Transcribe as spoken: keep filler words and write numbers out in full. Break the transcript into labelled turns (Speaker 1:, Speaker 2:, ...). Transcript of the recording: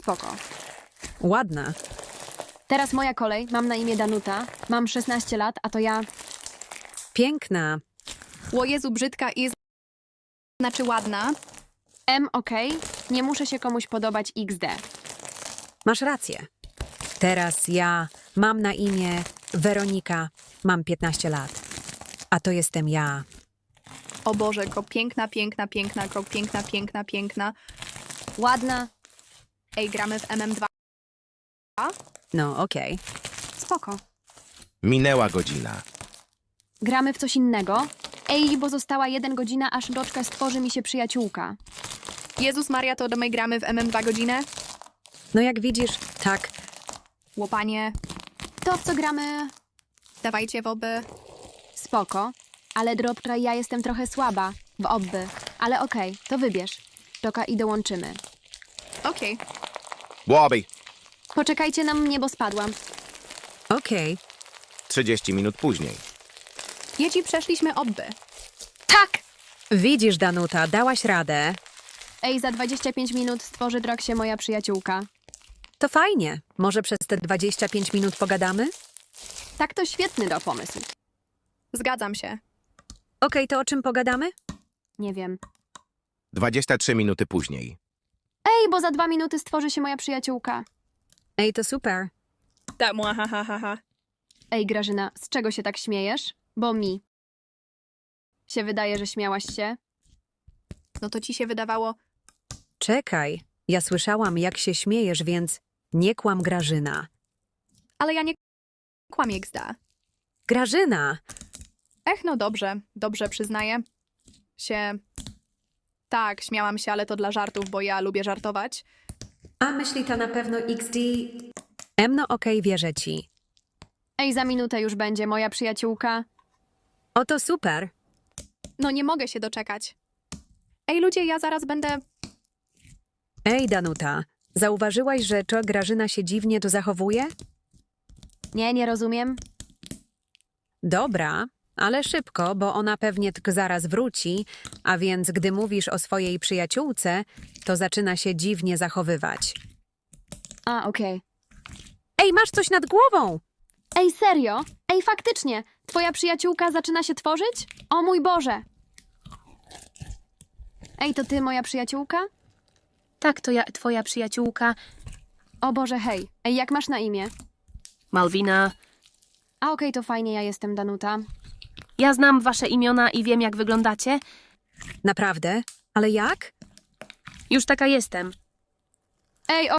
Speaker 1: Spoko.
Speaker 2: Ładna.
Speaker 1: Teraz moja kolej. Mam na imię Danuta. Mam szesnaście lat, a to ja...
Speaker 2: Piękna.
Speaker 3: O Jezu, brzydka i... Znaczy ładna.
Speaker 1: M, okej. Nie muszę się komuś podobać iks de.
Speaker 2: Masz rację. Teraz ja mam na imię Weronika. Mam piętnaście lat. A to jestem ja.
Speaker 3: O Boże, ko piękna, piękna, piękna, ko piękna, piękna, piękna.
Speaker 1: Ładna.
Speaker 3: Ej, gramy w M M dwa.
Speaker 2: No, okej.
Speaker 1: Spoko.
Speaker 4: Minęła godzina.
Speaker 1: Gramy w coś innego. Ej, bo została jeden godzina, aż doczka stworzy mi się przyjaciółka.
Speaker 3: Jezus Maria, to do my gramy w M M dwa godzinę?
Speaker 2: No jak widzisz, tak.
Speaker 3: Łopanie,
Speaker 1: To w co gramy?
Speaker 3: dawajcie w oby.
Speaker 1: Spoko. Ale dropka ja jestem trochę słaba. W obby. Ale okej, to wybierz. Doka i dołączymy.
Speaker 3: Okej.
Speaker 4: Łoby.
Speaker 1: Poczekajcie na mnie, bo spadłam.
Speaker 2: Okej.
Speaker 4: trzydzieści minut później.
Speaker 3: Dzieci, przeszliśmy obby.
Speaker 1: Tak!
Speaker 2: Widzisz, Danuta, dałaś radę.
Speaker 1: Ej, za dwadzieścia pięć minut stworzy drog się moja przyjaciółka.
Speaker 2: To fajnie. Może przez te dwadzieścia pięć minut pogadamy?
Speaker 1: Tak, to świetny do pomysł.
Speaker 3: Zgadzam się.
Speaker 2: Okej, to o czym pogadamy?
Speaker 1: Nie wiem.
Speaker 4: dwadzieścia trzy minuty później.
Speaker 1: Ej, bo za dwa minuty stworzy się moja przyjaciółka.
Speaker 2: Ej, to super.
Speaker 3: Tak, ha, ha, ha, ha.
Speaker 1: Ej, Grażyna, z czego się tak śmiejesz? Bo mi. Się wydaje, że śmiałaś się.
Speaker 3: No to ci się wydawało...
Speaker 2: Czekaj. Ja słyszałam, jak się śmiejesz, więc nie kłam, Grażyna.
Speaker 3: Ale ja nie kłamię, gzda.
Speaker 2: Grażyna!
Speaker 3: Ech, no dobrze, dobrze, przyznaję. Się... Tak, śmiałam się, ale to dla żartów, bo ja lubię żartować.
Speaker 2: A myśli to na pewno iks de... Em, no okej, wierzę ci.
Speaker 1: Ej, za minutę już będzie moja przyjaciółka.
Speaker 2: O, to super.
Speaker 3: No nie mogę się doczekać. Ej, ludzie, ja zaraz będę...
Speaker 2: Ej, Danuta, zauważyłaś, że to Grażyna się dziwnie tu zachowuje?
Speaker 1: Nie, nie rozumiem.
Speaker 2: Dobra, ale szybko, bo ona pewnie tylko zaraz wróci, a więc gdy mówisz o swojej przyjaciółce, to zaczyna się dziwnie zachowywać.
Speaker 1: A, okej.
Speaker 2: Ej, masz coś nad głową!
Speaker 1: Ej, serio? Ej, faktycznie, twoja przyjaciółka zaczyna się tworzyć? O mój Boże! Ej, to ty, moja przyjaciółka?
Speaker 5: Tak, to ja, twoja przyjaciółka
Speaker 1: O Boże, hej. Ej, jak masz na imię?
Speaker 5: Malwina.
Speaker 1: A okej, to fajnie, ja jestem Danuta.
Speaker 5: Ja znam wasze imiona i wiem, jak wyglądacie.
Speaker 2: Naprawdę? Ale jak?
Speaker 5: Już taka jestem.
Speaker 1: Ej, o